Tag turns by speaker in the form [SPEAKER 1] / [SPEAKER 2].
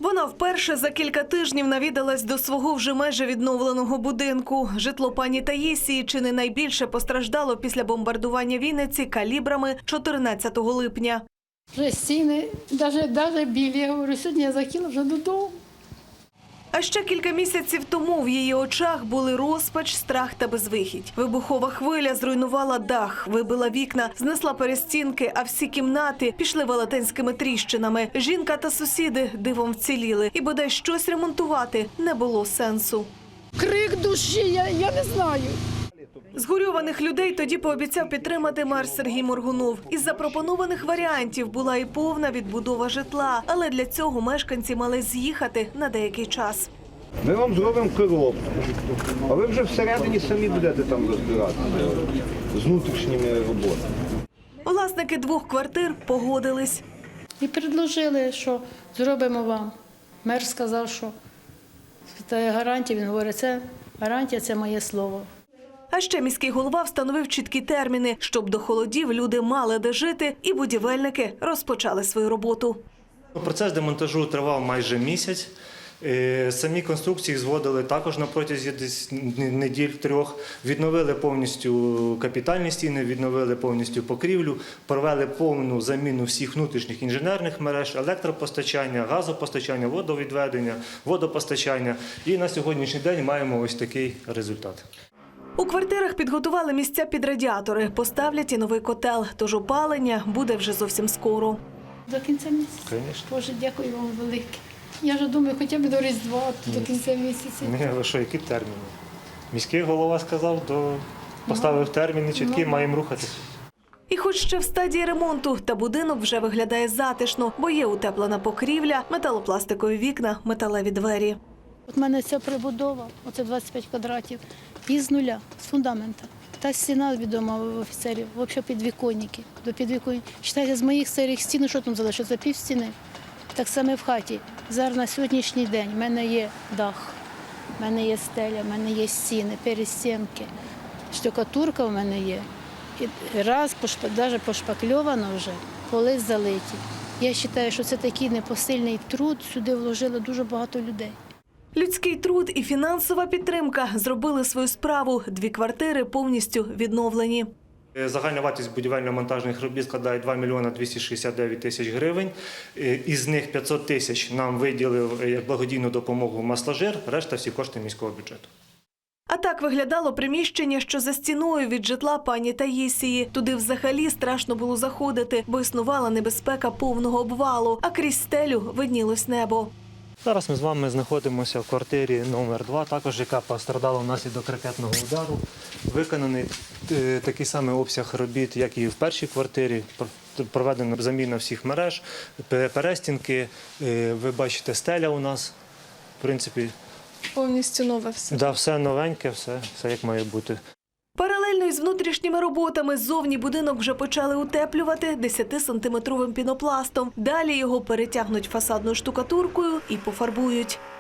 [SPEAKER 1] Вона вперше за кілька тижнів навідалась до свого вже майже відновленого будинку. Житло пані Таїсії чи не найбільше постраждало після бомбардування Вінниці калібрами 14 липня.
[SPEAKER 2] Вже стіни, навіть білі. Я говорю, сьогодні я захотіла вже додому.
[SPEAKER 1] А ще кілька місяців тому в її очах були розпач, страх та безвихідь. Вибухова хвиля зруйнувала дах, вибила вікна, знесла перестінки, а всі кімнати пішли велетенськими тріщинами. Жінка та сусіди дивом вціліли. І бодай щось ремонтувати не було сенсу.
[SPEAKER 2] Крик душі, я не знаю.
[SPEAKER 1] Згорьованих людей тоді пообіцяв підтримати мер Сергій Моргунов. Із запропонованих варіантів була і повна відбудова житла. Але для цього мешканці мали з'їхати на деякий час.
[SPEAKER 3] Ми вам зробимо коробку, а ви вже всередині самі будете там розбиратися з внутрішніми роботами.
[SPEAKER 1] Власники 2 квартир погодились.
[SPEAKER 2] І предложили, що зробимо вам. Мер сказав, що це гарантія. Він говорить, це гарантія, це моє слово.
[SPEAKER 1] А ще міський голова встановив чіткі терміни, щоб до холодів люди мали де жити і будівельники розпочали свою роботу.
[SPEAKER 4] Процес демонтажу тривав майже місяць. Самі конструкції зводили також на протязі неділь 3. Відновили повністю капітальні стіни, відновили повністю покрівлю, провели повну заміну всіх внутрішніх інженерних мереж, електропостачання, газопостачання, водовідведення, водопостачання. І на сьогоднішній день маємо ось такий результат.
[SPEAKER 1] У квартирах підготували місця під радіатори, поставлять і новий котел, тож опалення буде вже зовсім скоро.
[SPEAKER 2] До кінця місяця?
[SPEAKER 4] Звісно.
[SPEAKER 2] Боже, дякую вам велике. Я вже думаю, хоча б до Різдва, до кінця місяця.
[SPEAKER 4] Ні, ви що, які терміни? Міський голова сказав, поставив терміни чіткі, маємо рухатися.
[SPEAKER 1] І хоч ще в стадії ремонту, та будинок вже виглядає затишно, бо є утеплена покрівля, металопластикові вікна, металеві двері.
[SPEAKER 2] От в мене ця прибудова, оце 25 квадратів, із нуля, з фундамента. Та стіна відома в офіцерів, взагалі підвіконники. До підвіконників. Читайте, з моїх старих стін, що там залишиться, пів стіни. Так само в хаті. Зараз на сьогоднішній день в мене є дах, в мене є стеля, в мене є стіни, перестінки, штукатурка в мене є. І раз, навіть пошпакльовано вже, поли залиті. Я вважаю, що це такий непосильний труд, сюди вложили дуже багато людей.
[SPEAKER 1] Людський труд і фінансова підтримка зробили свою справу. 2 квартири повністю відновлені.
[SPEAKER 4] Загальна вартість будівельно-монтажних робіт складає 2 мільйона 269 тисяч гривень. Із них 500 тисяч нам виділив як благодійну допомогу «Масложир», решта всі кошти міського бюджету.
[SPEAKER 1] А так виглядало приміщення, що за стіною від житла пані Таїсії. Туди взагалі страшно було заходити, бо існувала небезпека повного обвалу, а крізь стелю виднілось небо.
[SPEAKER 4] Зараз ми з вами знаходимося в квартирі номер 2, також яка постраждала внаслідок ракетного удару. Виконаний такий самий обсяг робіт, як і в першій квартирі. Проведена заміна всіх мереж, перестінки. Ви бачите, стеля у нас, в принципі.
[SPEAKER 5] Повністю нове все.
[SPEAKER 4] Да, все новеньке, все як має бути.
[SPEAKER 1] Паралельно із внутрішніми роботами ззовні будинок вже почали утеплювати 10-сантиметровим пінопластом. Далі його перетягнуть фасадною штукатуркою і пофарбують.